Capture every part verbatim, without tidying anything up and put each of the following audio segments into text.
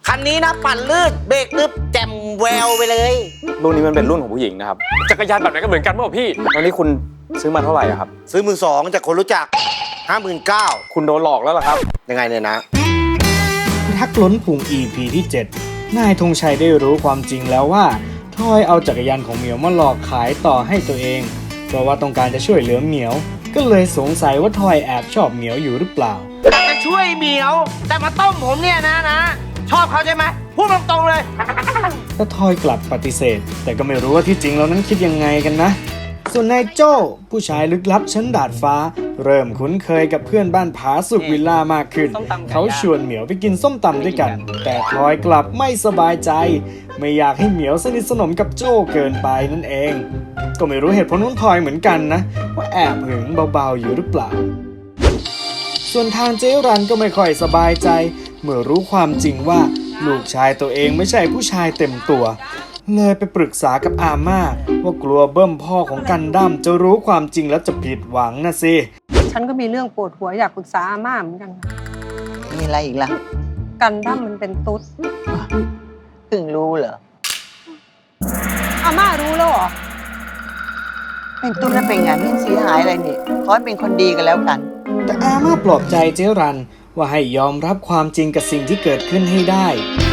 คันนี้นะปั่นลื่นเบรกนึบแจ่มแววไปเลยรุ่นนี้มันเป็นรุ่นของผู้หญิงนะครับจักรยานแบบไหนก็เหมือนกันป่ะพี่แล้วนี่คุณซื้อมาเท่าไหร่ครับซื้อมือสองจากคนรู้จักห้าหมื่นเก้าคุณโดนหลอกแล้วเหรอครับยังไงเนี่ยนะทักล้นพุง อี พี ที่เจ็ดนายธงชัยได้รู้ความจริงแล้วว่าทอยเอาจักรยานของเหมียวมาหลอกขายต่อให้ตัวเองเพราะว่าต้องการจะช่วยเหลือเหมียวก็เลยสงสัยว่าทอยแอบชอบเหมียวอยู่หรือเปล่าจะช่วยเหมียวแต่มาต้มผมเนี่ยนะนะชอบเขาใช่ไหมพูดตรงๆเลยแต่ทอยกลับปฏิเสธแต่ก็ไม่รู้ว่าที่จริงแล้วนั้นคิดยังไงกันนะส่วนนายโจ้ผู้ชายลึกลับชั้นดาดฟ้าเริ่มคุ้นเคยกับเพื่อนบ้านผาสุกวิลล่ามากขึ้นเขาชวนเหมียวไปกินส้มตำด้วยกันแต่ทอยกลับไม่สบายใจไม่อยากให้เหมียวสนิทสนมกับโจ้เกินไปนั่นเองก็ไม่รู้เหตุผลของทอยเหมือนกันนะว่าแอบหึงเบาๆอยู่หรือเปล่าส่วนทางเจรันก็ไม่ค่อยสบายใจเมื่อรู้ความจริงว่าลูกชายตัวเองไม่ใช่ผู้ชายเต็มตัวเลยไปปรึกษากับอาม่าว่ากลัวเบิ้มพ่อของกันดั้มจะรู้ความจริงแล้วจะผิดหวังนะสิฉันก็มีเรื่องปวดหัวอยากปรึกษาอาม่าเหมือนกันมีอะไรอีกล่ะกันดั้มมันเป็นตุ๊ดเพิ่งรู้เหรออาม่ารู้แล้วเหรอเป็นตุ๊ดแล้วเป็นไงไม่เสียหายอะไรนี่ขอให้เป็นคนดีกันแล้วกันแต่อาม่าปลอบใจเจรันว่าให้ยอมรับความจริงกับสิ่งที่เกิดขึ้นให้ได้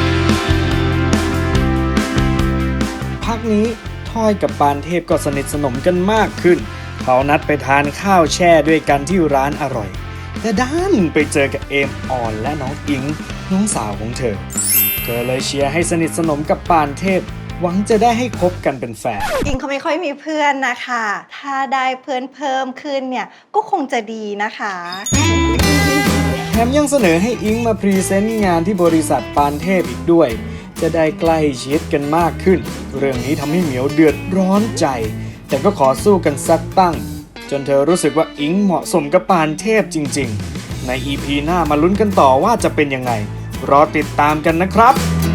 พักนี้ทอยกับปานเทพก็สนิทสนมกันมากขึ้นเขานัดไปทานข้าวแช่ด้วยกันที่ร้านอร่อยแต่ด้านไปเจอกับเอมออนและน้องอิงน้องสาวของเธอเธอเลยเชียร์ให้สนิทสนมกับปานเทพหวังจะได้ให้คบกันเป็นแฟนอิงเขาไม่ค่อยมีเพื่อนนะคะถ้าได้เพื่อนเพิ่มขึ้นเนี่ยก็คงจะดีนะคะแถมยังเสนอให้อิงมาพรีเซนต์งานที่บริษัทปานเทพอีกด้วยจะได้ใกล้ชิดกันมากขึ้นเรื่องนี้ทำให้เหมียวเดือดร้อนใจแต่ก็ขอสู้กันสักตั้งจนเธอรู้สึกว่าอิงเหมาะสมกับปานเทพจริงๆใน อี พี หน้ามาลุ้นกันต่อว่าจะเป็นยังไงรอติดตามกันนะครับ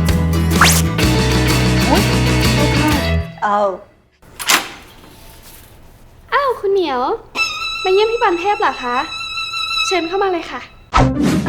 เอาอ้าวคุณเหมียวมาเยี่ยมพี่ปานเทพเหรอคะเชิญเข้ามาเลยค่ะ